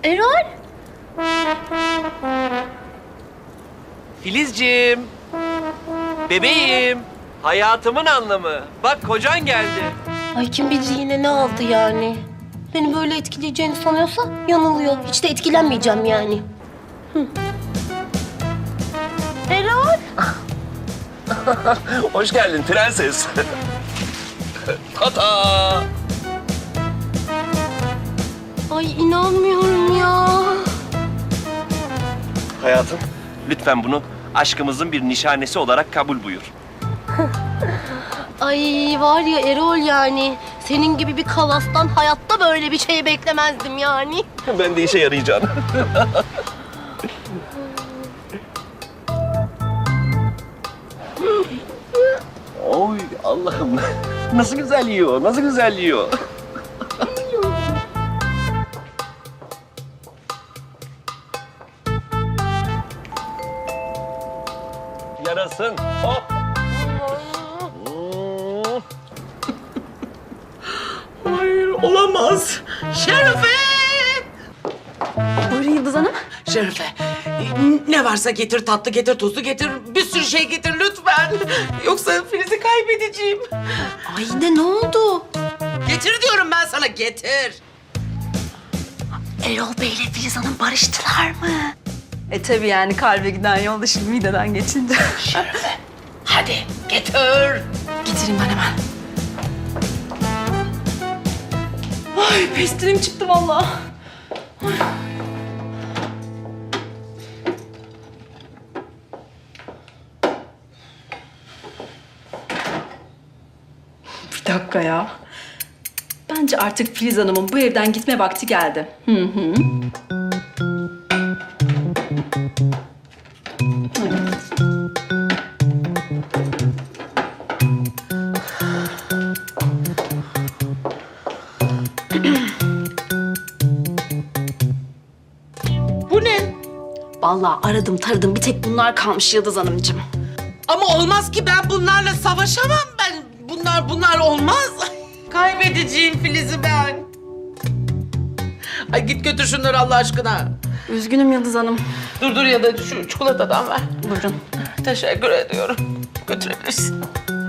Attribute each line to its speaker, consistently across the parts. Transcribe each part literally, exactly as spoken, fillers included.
Speaker 1: Erol?
Speaker 2: Filizciğim. Bebeğim. Hayatımın anlamı. Bak kocan geldi.
Speaker 1: Ay kim bilir yine ne aldı yani. Beni böyle etkileyeceğini sanıyorsa yanılıyor. Hiç de etkilenmeyeceğim yani. Hı. Erol?
Speaker 2: Hoş geldin prenses. Tata.
Speaker 1: Ay inanmıyorum ya.
Speaker 2: Hayatım, lütfen bunu aşkımızın bir nişanesi olarak kabul buyur.
Speaker 1: Ay var ya Erol yani. Senin gibi bir kalastan hayatta böyle bir şey beklemezdim yani.
Speaker 2: Ben de işe yarayacağım. Oy Allah'ım. Nasıl güzel yiyor, nasıl güzel yiyor. Yarasın. Oh. Hmm.
Speaker 3: Hayır, olamaz. Şerife!
Speaker 4: Buyurun Yıldız Hanım.
Speaker 3: Şerife, ne varsa getir, tatlı getir, tuzlu getir, bir sürü şey getir lütfen. Yoksa Filiz'i kaybedeceğim.
Speaker 4: Ay ne ne oldu?
Speaker 3: Getir diyorum ben sana, getir.
Speaker 4: Erol Bey ile Filiz Hanım barıştılar mı? E tabii yani kalbe giden yolda şimdi mideden geçince.
Speaker 3: Şerife, hadi getir.
Speaker 4: Getireyim ben hemen. Ay pestilim çıktı vallahi. Ay. Bir dakika ya. Bence artık Filiz Hanım'ın bu evden gitme vakti geldi. Hı hı.
Speaker 3: Bu ne?
Speaker 4: Vallahi aradım taradım bir tek bunlar kalmış Yıldız Hanımcığım.
Speaker 3: Ama olmaz ki, ben bunlarla savaşamam ben. Bunlar, bunlar olmaz. Kaybedeceğim Filiz'i ben. Ay git götür şunları Allah aşkına.
Speaker 4: Üzgünüm Yıldız Hanım.
Speaker 3: Dur dur, ya da şu çikolatadan ver.
Speaker 4: Buyurun.
Speaker 3: Teşekkür ediyorum. Götürebilirsin.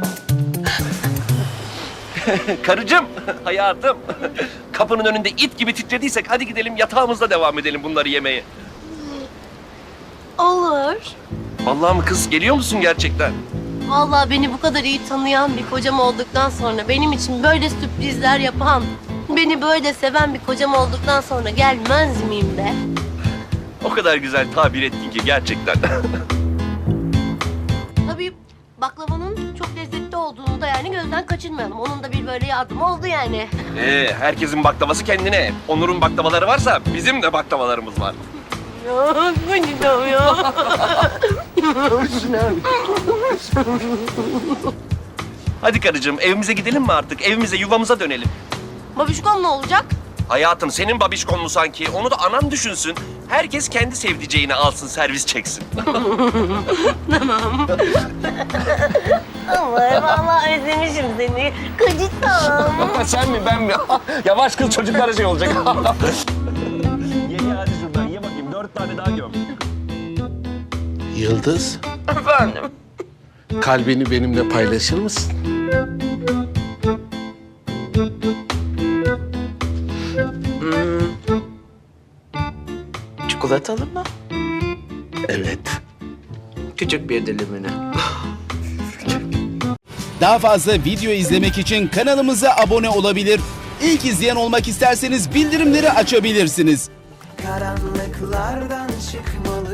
Speaker 2: Karıcığım, hayatım. Kapının önünde it gibi titrediysek hadi gidelim yatağımızda devam edelim bunları yemeye.
Speaker 1: Olur.
Speaker 2: Vallahi mı kız? Geliyor musun gerçekten?
Speaker 1: Vallahi beni bu kadar iyi tanıyan bir kocam olduktan sonra, benim için böyle sürprizler yapan, beni böyle seven bir kocam olduktan sonra gelmez miyim be?
Speaker 2: O kadar güzel tabir ettin ki gerçekten.
Speaker 1: Tabii baklavanın çok lezzetli olduğunu da yani gözden kaçırmayalım. Onun da bir böyle yardımı oldu yani.
Speaker 2: Ee, herkesin baklavası kendine. Onur'un baklavaları varsa bizim de baklavalarımız var.
Speaker 1: Ya kocam ya.
Speaker 2: Hadi karıcığım evimize gidelim mi artık? Evimize, yuvamıza dönelim.
Speaker 1: Babişkom ne olacak?
Speaker 2: Hayatım senin babişkon mu sanki? Onu da anan düşünsün. Herkes kendi sevdiceğini alsın, servis çeksin.
Speaker 1: Ama vallahi özlemişim seni. Kocam.
Speaker 2: Sen mi ben mi? Yavaş kız çocuklara şey olacak. ye ye hadi şuradan ye bakayım. Dört tane daha göm.
Speaker 5: Yıldız,
Speaker 3: Efendim?
Speaker 5: kalbini benimle paylaşır mısın?
Speaker 3: Çikolatalı mı?
Speaker 5: Evet.
Speaker 3: Küçük bir dilimini.
Speaker 6: Daha fazla video izlemek için kanalımıza abone olabilir. İlk izleyen olmak isterseniz bildirimleri açabilirsiniz.
Speaker 7: Karanlıklardan çıkmalı.